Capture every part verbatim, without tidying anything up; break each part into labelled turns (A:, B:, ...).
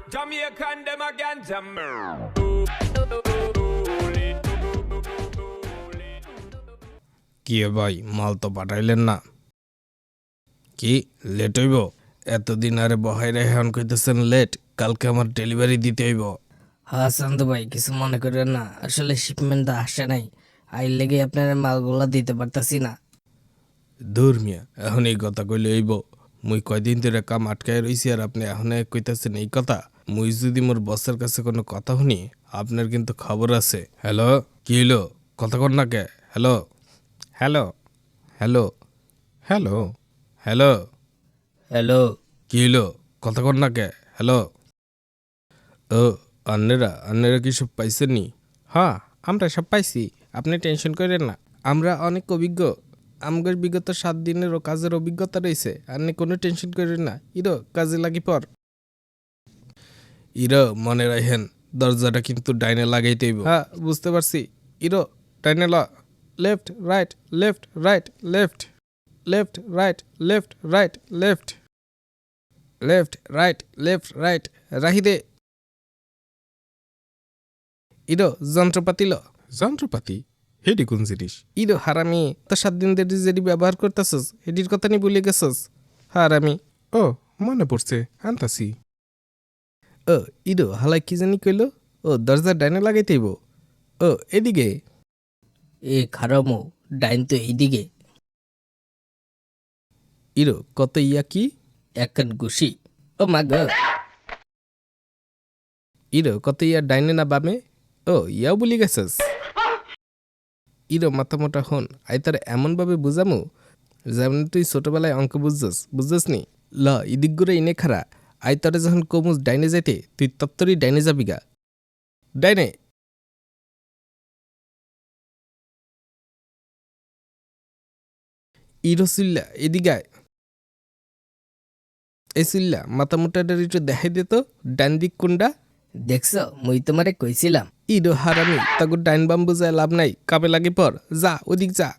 A: Jamaican them again, Jam.
B: কি ভাই মাল তো পাঠাইলেন না কি লেট হইব এতদিন আরে বহাই রেখে এখন কইতেছেন লেট কালকে আমার ডেলিভারি দিতে হইব
C: হ্যাঁ শান্ত ভাই কিছু মনে করেন না আসলে শিপমেন্টটা আসে নাই আইর লেগে আপনার মালগুলা দিতে পারতাছি না
B: দূর মিয়া এখন এই কথা কইলে হইব মুই কয়দিন ধরে কাম আটকায় রইছি আর আপনি এখন কইতাছেন এই কথা মুই যদি মোর বসের কাছে কোনো কথা শুনি আপনার কিন্তু খবর আছে হ্যালো কি হইলো কথা কর না কে hello hello hello hello hello
C: hello
B: কি হইলো কথা কর না কে হ্যালো ও আন্নেরা আন্নেরা কি সব পাইছেন নি হ্যাঁ আমরা সব পাইছি আপনি টেনশন করেন না আমরা অনেক অভিজ্ঞ আমগর বিগত সাত দিনেরও কাজের অভিজ্ঞতা রয়েছে আপনি কোনো টেনশন করেন না ইরো কাজে লাগি পর ইরো মনে রাখেন দরজাটা কিন্তু ডাইনে লাগাইতে হইব হ্যাঁ বুঝতে পারছি ইরো ডাইনে ল left right left right left left right left right left left right left right রাহি দে ইরো যন্ত্রপাতি ল যন্ত্রপাতি হেডি কোন জিনিস ইরো হারামি তো সাত দিন ধরে যেটি ব্যবহার করতেছস হেডির কথা নি ভুলে গেছস হারামি ও মনে পড়ছে আনতাছি ও ইরো হালাই কি জানি কইলো ও দরজা ডাইনে লাগাইতেইব ও এদিকে
C: এ খারামো ডাইন তো এইদিকে
B: ইরো কত ইয়া কি
C: একখান গুছি ও মা গো
B: ইরো কত ইয়া ডাইনে না বামে ও ইয়াও বলি গেছস ইরো মাথা মোটা হন আই তার এমন ভাবে বুঝামু যেমন তুই ছোটবেলায় অঙ্ক বুঝছস বুঝছস নি ল ইদিক করে ইনে খারা আই তরে যখন কমুস ডাইনে যাইতে তুই তত্তরই ডাইনে যাবি গা ডাইনে ইরো সিল্লা এদিগায় এই সিল্লা মাথা মোটাটার একটু দেখাই দে তো ডান দিক কোনটা
C: দেখছ মুই তোমারে কইছিলাম
B: ইরো হারামি তাকে ডাইন বাম বুঝায় লাভ নাই কামে লাগে পর যা ওদিক যা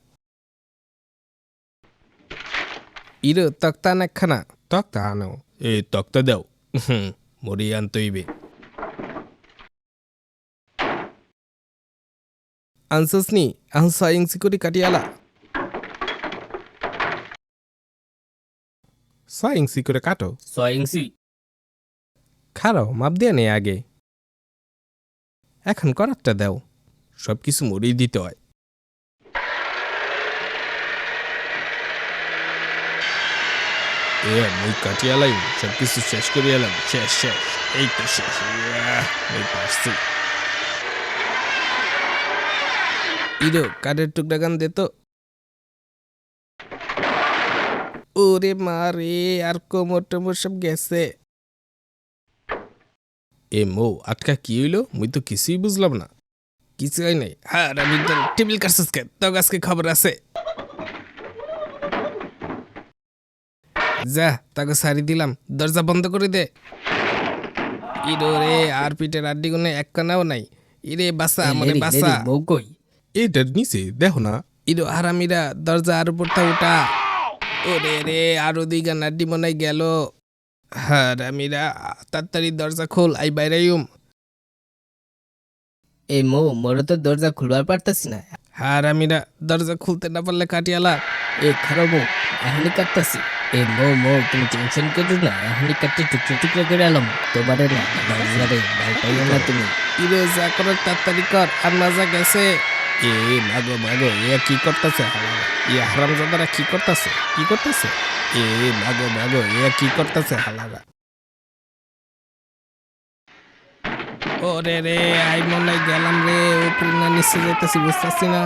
B: ইরো তক্তা আন একখানা তক্তা আনো এই তক্তা দাও হুম মরি আনতে হইবে আনসাস নি এখন ছয় ইঞ্চি করে কাটিয়ালা ছয় ইঞ্চি করে কাটো
C: ছয় ইঞ্চি
B: খারাও মাপ দিয়ে নেই আগে এখন করারটা দাও সব কিছু মরেই দিতে হয় এ মুই কাটিয়ালাই সব কিছু শেষ করে এলাম শেষ শেষ এই তো শেষ ইয়াহ, এই পারছি ইরো কাঠের টুকরা গান দে তো ওরে মা রে আর কোমর টোমর সব গেছে এ মো আটকা কি হইলো মুই তো কিছুই বুঝলাম না কিছু হয় নাই হ্যাঁ আমি টেবিল কাটছিস কে তো আজকে খবর আছে যা তাকে সারি দিলাম দরজা বন্ধ করে দে ইরো রে আর পিঠের আড্ডি গুনে এক কানাও নাই ইরে বাসা মরে বাসা
C: বউ কই
B: এইটার নিচে দেখো না ইরো হারামিরা দরজা আর উপরটা উঠা ওরে রে আরো দিঘা নাড্ডি মনাই গেল হারামিরা তাড়াতাড়ি দরজা খোল আই বাইরাইম
C: এই মো মোরে তো দরজা খুলবার পারতাছি না
B: হারামিরা দরজা খুলতে না পারলে কাটিয়ালা
C: এ খারামো এখনই কাটতাছি এ মো মো তুমি টেনশন করো না এখনই কাটতে টুকরো টুকরো করে এলাম তোমারে না দরজারে ভয় পাইও না তুমি
B: ইরে যা করার তাড়াতাড়ি কর আর মাজা গেছে এ মাগো মাগো এ কি করতেছে এ হারামজাদারা কি করতেছে কি করতেছে এ মাগো মাগো এ কি করতেছে হালারা ওরে রে আই মনে গেলাম রে উপরে না নিচে যেতেছি বুঝতেছি না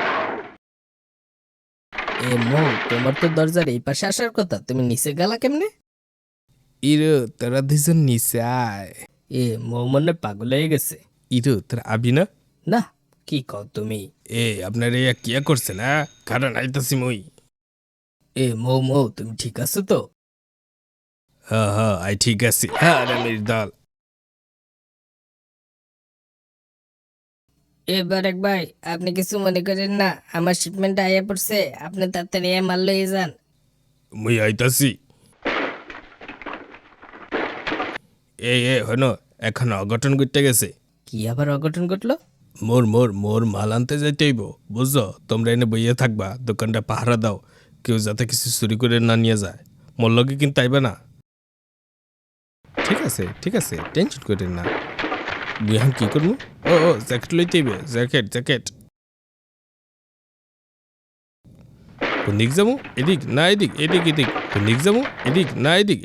C: এ মো তোমার তো দরজার এই পাশে আসার কথা তুমি নিচে গেলা কেমনে
B: ইরো তোরা দুজন নিচে আয়
C: এ মো মনে পাগল হয়ে গেছে
B: ইরো তোরা আবি না
C: না কি কও তুমি
B: এ আপনার এ কিয়া করছে না কারণ আইতাছি মই
C: এ মো মো তুমি ঠিক আছো তো
B: হ্যাঁ হ্যাঁ আই ঠিক আছি হ্যাঁ রামের দল
C: এবার এক ভাই আপনি কিছু মনে করেন না আমার শিপমেন্ট আইয়া পড়ছে আপনি তাড়াতাড়ি মাল লয়ে যান
B: মুই আইতাছি এই এ হন এখন অঘটন ঘটতে গেছে।
C: কি আবার অঘটন ঘটলো?
B: মোর মোর মোর মাল আনতে যাইতে হইব, বুঝছো? তোমরা এনে বইয়ে থাকবা, দোকানটা পাহারা দাও, কেউ যাতে কিছু চুরি করে না নিয়ে যায়। মোর লগে কিন্তু আইবা না। ঠিক আছে ঠিক আছে, টেনশন করেন না। মুই এখন কি করবো? ও ও জ্যাকেট লইতে হইবে, জ্যাকেট জ্যাকেট। কোন দিক যাবো? এদিক না এদিক? এদিক এদিক। কোন দিক যাবো? এদিক না এদিক?